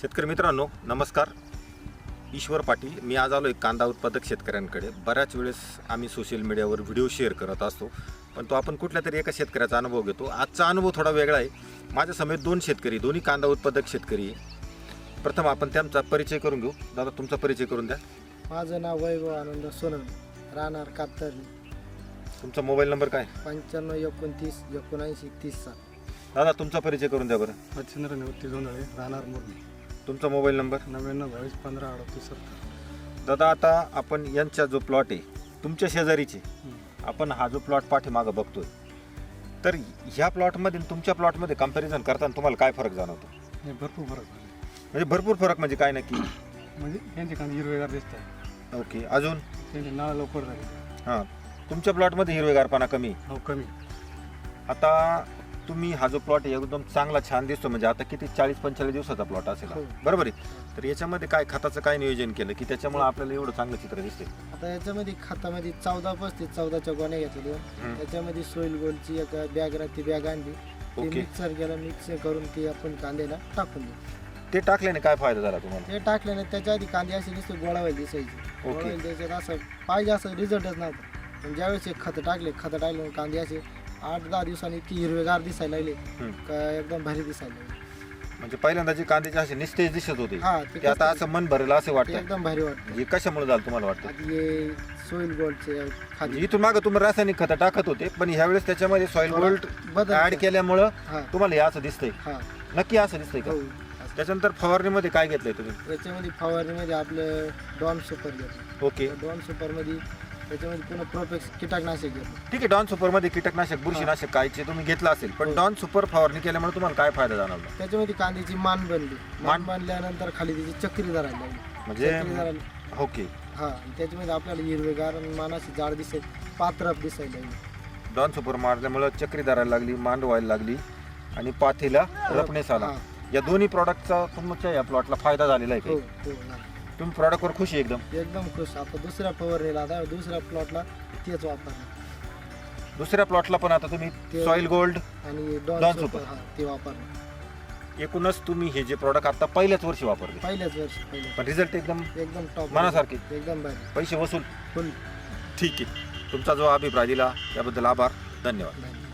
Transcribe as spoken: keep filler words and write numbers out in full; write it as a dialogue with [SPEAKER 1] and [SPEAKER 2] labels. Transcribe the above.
[SPEAKER 1] शेतकरी मित्रांनो नमस्कार. ईश्वर पाटील. मी आज आलो एक कांदा उत्पादक शेतकऱ्यांकडे. बऱ्याच वेळेस आम्ही सोशल मीडियावर व्हिडिओ शेअर करत असतो, पण तो आपण कुठल्या तरी एका शेतकऱ्याचा अनुभव घेतो. आजचा अनुभव थोडा वेगळा आहे. माझ्या समेत दोन शेतकरी, दोन्ही कांदा उत्पादक शेतकरी आहे. प्रथम आपण त्यांचा परिचय करून घेऊ. दादा, तुमचा परिचय करून द्या.
[SPEAKER 2] माझं नाव वैभव आनंद सोनवणे, राहणार कातरली.
[SPEAKER 1] तुमचा मोबाईल नंबर काय?
[SPEAKER 2] पंच्याण्णव एकोणतीस एकोणऐंशी तीस सात.
[SPEAKER 1] दादा, तुमचा परिचय करून द्या बरं.
[SPEAKER 3] मच्छिंद्र निवृत्ती जोंधळे, राहणार मुरली.
[SPEAKER 1] तुमचा मोबाईल नंबर?
[SPEAKER 3] नव्याण्णव बावीस पंधरा अडतीस सत्तर.
[SPEAKER 1] दादा, आता आपण यांचा जो प्लॉट आहे तुमच्या शेजारीचे, आपण हा जो प्लॉट पाठीमागं बघतोय, तर ह्या प्लॉटमध्ये आणि तुमच्या प्लॉटमध्ये कंपॅरिझन करताना तुम्हाला काय फरक जाणवतो?
[SPEAKER 3] हे भरपूर फरक झाले.
[SPEAKER 1] म्हणजे भरपूर फरक म्हणजे काय नक्की?
[SPEAKER 3] म्हणजे यांचे कांदे हिरवेगार दिसत आहे.
[SPEAKER 1] ओके, अजून?
[SPEAKER 3] त्यांचे नाळ लवकर झाले.
[SPEAKER 1] हां, तुमच्या प्लॉटमध्ये हिरवेगारपणा कमी.
[SPEAKER 3] हो, कमी.
[SPEAKER 1] आता तुम्ही हा जो प्लॉट आहे एकदम चांगला छान दिसतो. म्हणजे आता किती चाळीस पंचेचाळीस दिवसाचा प्लॉट असेल हा.
[SPEAKER 2] हो.
[SPEAKER 1] बरोबर आहे. तर याच्यामध्ये काय खताचं काय नियोजन केलं की त्याच्यामुळे आपल्याला एवढं चांगलं चित्र दिसते?
[SPEAKER 2] आता याच्यामध्ये खतामध्ये चौदा पस्तीस चौदाच्या गोण्या घेतल्या दोन.
[SPEAKER 1] हम्म.
[SPEAKER 2] त्याच्यामध्ये सोईल गोल्डची एक बॅग राहते, बॅग आणली, ते
[SPEAKER 1] ओके.
[SPEAKER 2] मिक्सर केलं, मिक्स करून ते आपण कांद्याला टाकून देऊ.
[SPEAKER 1] ते टाकल्याने काय फायदा झाला तुम्हाला?
[SPEAKER 2] ते टाकल्याने त्याच्या आधी कांदे असे नुसते गोळावायला दिसायचे.
[SPEAKER 1] ओके.
[SPEAKER 2] गोळावायला त्याच्यात असं पाहिजे असं रिझल्टच नव्हता. पण ज्यावेळेस हे खतं टाकले खतं टाकले कांदे असे आठ दहा दिवसांनी इतकी हिरवेगार दिसायला लागले
[SPEAKER 1] हम्म.
[SPEAKER 2] का एकदम भारी दिसायला लागले.
[SPEAKER 1] म्हणजे पहिल्यांदा जे कांद्याचे असे निस्तेज दिसत होते
[SPEAKER 2] हा,
[SPEAKER 1] ते आता असं मन भरेल असं
[SPEAKER 2] ते
[SPEAKER 1] वाटतं.
[SPEAKER 2] एकदम भारी वाटतं.
[SPEAKER 1] हे कशामुळे झालं तुम्हाला वाटतं?
[SPEAKER 2] आधी हे सोईल गोल्डचे
[SPEAKER 1] म्हणजे
[SPEAKER 2] खाली
[SPEAKER 1] इथून मागं तुम्ही रासायनिक खतं टाकत होते, पण ह्यावेळेस त्याच्यामध्ये सॉइल
[SPEAKER 2] थोडा
[SPEAKER 1] गोल्ड
[SPEAKER 2] बदल
[SPEAKER 1] ऍड केल्यामुळं
[SPEAKER 2] हा
[SPEAKER 1] तुम्हाला हे असं दिसतंय.
[SPEAKER 2] हा
[SPEAKER 1] नक्की असं दिसतंय का?
[SPEAKER 2] हो.
[SPEAKER 1] त्याच्यानंतर फवारणीमध्ये काय घेतलंय तुम्ही?
[SPEAKER 2] त्याच्यामध्ये फवारणीमध्ये आपलं डॉन सुपर घेतलं.
[SPEAKER 1] ओके,
[SPEAKER 2] डॉन सुपरमध्ये त्याच्यामध्ये पुन्हा प्रोपेक्स कीटकनाशक घेतलं.
[SPEAKER 1] ठीक आहे. डॉन सुपरमध्ये कीटकनाशक बुरशीनाशक कायचे तुम्ही घेतलं असेल, पण
[SPEAKER 2] हो.
[SPEAKER 1] डॉन सुपर फवारणी केल्यामुळे तुम्हाला काय फायदा जाणवला?
[SPEAKER 2] त्याच्यामध्ये कांद्याची मान बनली.
[SPEAKER 1] मान?
[SPEAKER 2] मान बांधल्यानंतर खाली त्याची चक्री धरायला लागली.
[SPEAKER 1] म्हणजे
[SPEAKER 2] चक्री धरायला
[SPEAKER 1] ओके,
[SPEAKER 2] हा आणि त्याच्यामध्ये आपल्याला हिरवेगार आणि मानाची जाड दिसेल, पात्रप दिसायला लागली.
[SPEAKER 1] डॉन सुपर मारल्यामुळं चक्री धरायला लागली, मांड व्हायला लागली आणि पाथीला रपणेस आला.
[SPEAKER 2] हा.
[SPEAKER 1] या दोन्ही प्रॉडक्टचा तुमच्या या प्लॉटला फायदा झालेला आहे
[SPEAKER 2] हो
[SPEAKER 1] का?
[SPEAKER 2] हो ना.
[SPEAKER 1] तुम्ही प्रॉडक्टवर खुश आहे एकदम?
[SPEAKER 2] एकदम खुश. आता दुसऱ्या फवारणीला आता दुसऱ्या प्लॉटला तेच वापरणार
[SPEAKER 1] दुसऱ्या प्लॉटला पण आता तुम्ही
[SPEAKER 2] ते-
[SPEAKER 1] सॉइल गोल्ड
[SPEAKER 2] आणि
[SPEAKER 1] Dawn
[SPEAKER 2] डॉन
[SPEAKER 1] Super.
[SPEAKER 2] सुपर हा ते वापरणार.
[SPEAKER 1] एकूणच तुम्ही हे जे प्रॉडक्ट आता पहिल्याच वर्षी वापरले,
[SPEAKER 2] पहिल्याच वर्षी पहिले
[SPEAKER 1] पण रिझल्ट एकदम
[SPEAKER 2] एकदम टॉप
[SPEAKER 1] मनासारखे?
[SPEAKER 2] एकदम भारी
[SPEAKER 1] पैसे वसूल?
[SPEAKER 2] फुल.
[SPEAKER 1] ठीक आहे. तुमचा जो अभिप्राय दिला त्याबद्दल आभार. धन्यवाद.
[SPEAKER 2] धन्यवाद.